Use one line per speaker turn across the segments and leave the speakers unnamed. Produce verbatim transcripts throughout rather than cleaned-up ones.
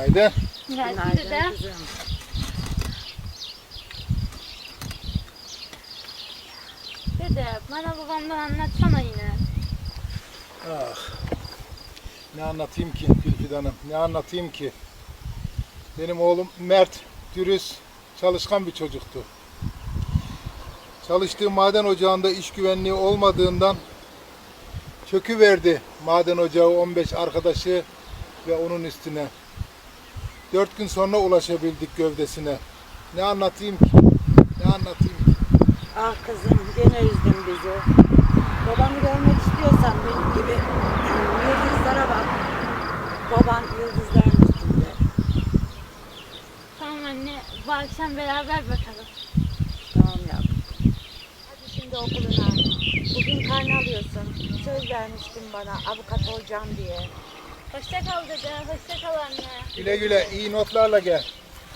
Günaydın.
Günaydın dede. Dede bana babamdan anlatsana yine.
Ah. Ne anlatayım ki Gülfide Hanım? Ne anlatayım ki? Benim oğlum Mert, dürüst, çalışkan bir çocuktu. Çalıştığı maden ocağında iş güvenliği olmadığından çöküverdi maden ocağı on beş arkadaşı ve onun üstüne. Dört gün sonra ulaşabildik gövdesine. Ne anlatayım ki? Ne anlatayım ki?
Ah kızım gene üzdün bizi. Babanı görmek istiyorsan benim gibi yıldızlara bak. Baban yıldızların üstünde.
Tamam anne, bu akşam beraber bakalım.
Tamam yavrum. Hadi şimdi okuluna. Bugün karne alıyorsun. Söz vermiştin bana avukat olacağım diye.
Hoşça kal dede, hoşça kal anne.
Güle güle, iyi notlarla gel.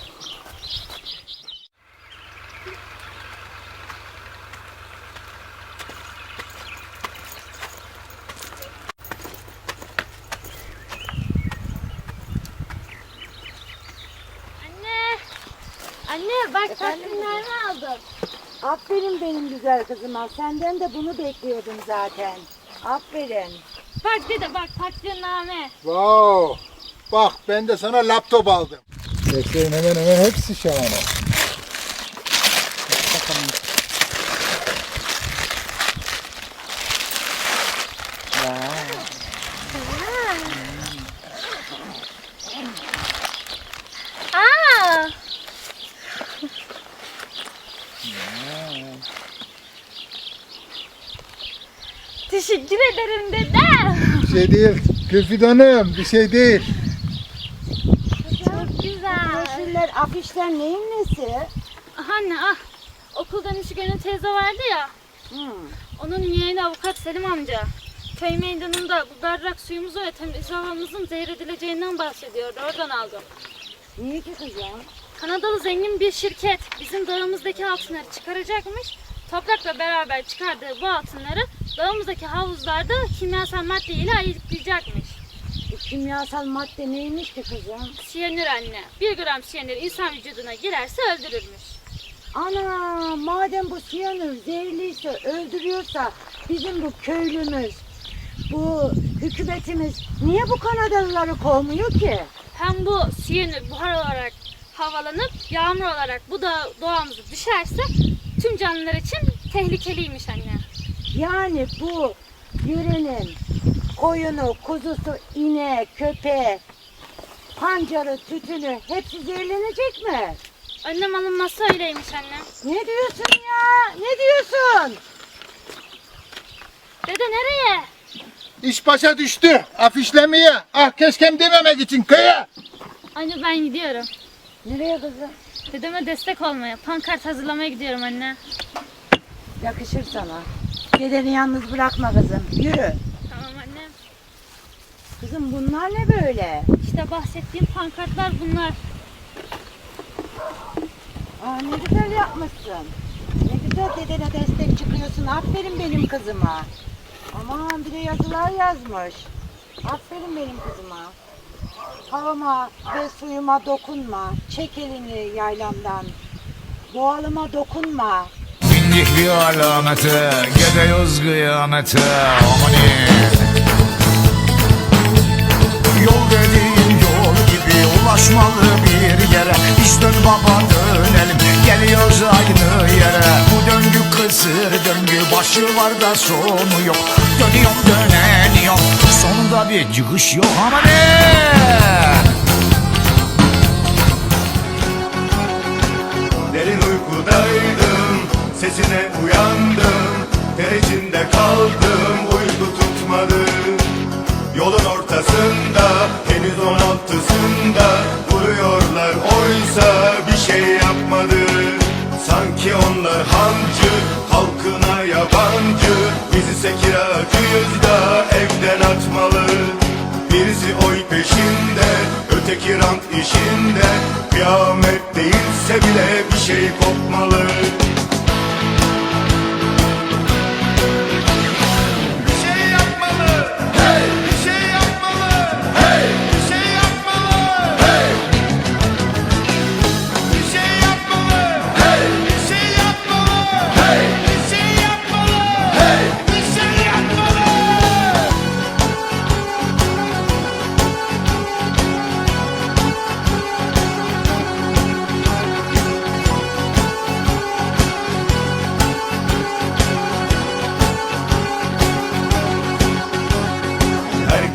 Anne, anne bak
Efendim
takvimlerimi aldım.
Aferin benim güzel kızıma. Senden de bunu bekliyordum zaten. Aferin.
Bak dede bak takvimname.
Wow. Bak ben de sana laptop aldım. Bekleyin hemen hemen hepsi şahane. Bakalım.
Aa! Teşekkür ederim dede.
Bir şey değil. Gülfide Hanım bir şey değil.
Çok güzel.
Broşürler, afişler neyin nesi?
Anne ah, okuldan işi gören teyze vardı ya.
Hmm.
Onun yeğeni avukat Selim amca. Köy meydanında bu berrak suyumuzu ve temiz havamızın zehredileceğinden bahsediyordu. Oradan aldım.
Niye ki kızım?
Kanadalı zengin bir şirket bizim dağımızdaki altınları çıkaracakmış. Toprakla beraber çıkardığı bu altınları dağımızdaki havuzlarda kimyasal madde ile ayıklayacakmış.
Bu kimyasal madde neymiş ki kızım?
Siyanür anne. Bir gram siyanür insan vücuduna girerse öldürürmüş.
Ana madem bu siyanür zehirliyse öldürüyorsa bizim bu köylümüz, bu hükümetimiz niye bu Kanadalıları kovmuyor ki?
Hem bu siyanür buhar olarak havalanıp yağmur olarak bu da doğamıza düşerse tüm canlılar için tehlikeliymiş anne.
Yani bu yörenin koyunu, kuzusu, ineği, köpeği, pancarı, tütünü hepsi zehirlenecek mi?
Önlem alınmazsa öyleymiş anne.
Ne diyorsun ya? Ne diyorsun?
Dede nereye?
İş başa düştü. Afişlemeye. Ah keşkem dememek için köye.
Anne ben gidiyorum.
Nereye kızım?
Dedeme destek olmaya, pankart hazırlamaya gidiyorum anne.
Yakışır sana. Dedeni yalnız bırakma kızım. Yürü.
Tamam anne.
Kızım bunlar ne böyle?
İşte bahsettiğim pankartlar bunlar.
Aa, ne güzel yapmışsın. Ne güzel dedene destek çıkıyorsun. Aferin benim kızıma. Aman bir de yazılar yazmış. Aferin benim kızıma. Havama ve suyuma dokunma. Çek elini yaylamdan. Doğalıma dokunma.
Bindik bir alamete, gidiyoruz kıyamete, amanin. Yol dediğin yol gibi ulaşmalı bir yere. Biz dön baba dönelim, geliyoruz aynı yere. Bu döngü kısır döngü, başı var da sonu yok. Dönüyorum döneniyorum, sonunda bir çıkış yok, amanin.
Derin uykudaydım, sesine uyandım. Ter içinde kaldım, uyku tutmadı. Yolun ortasında, henüz on altısında vuruyorlar oysa bir şey yapmadı. Sanki onlar hancı, halkına yabancı. Biz ise kiracıyız da evden atmalı. Birisi oy peşinde, öteki rant işinde. Kıyamet değilse bile bir şey kopmalı. Bir şey yapmalı, hey! Bir şey yapmalı, hey! Bir şey yapmalı, hey!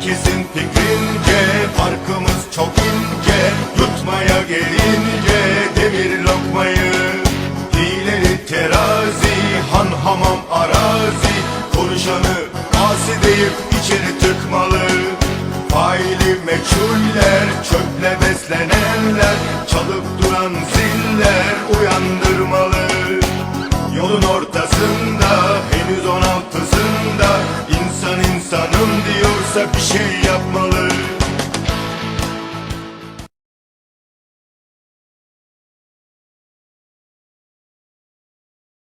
Herkesin fikrince farkımız çok ince, yutmaya gelince demir lokmayı. Hileli terazi, han hamam arazi, konuşanı asi deyip içeri tıkmalı. Faili meçhuller, çöple beslenenler, çalıp duran ziller uyandırmalı. Yolun ortasında, henüz on altısında, insan insanım diyorsa bir şey yapmalı.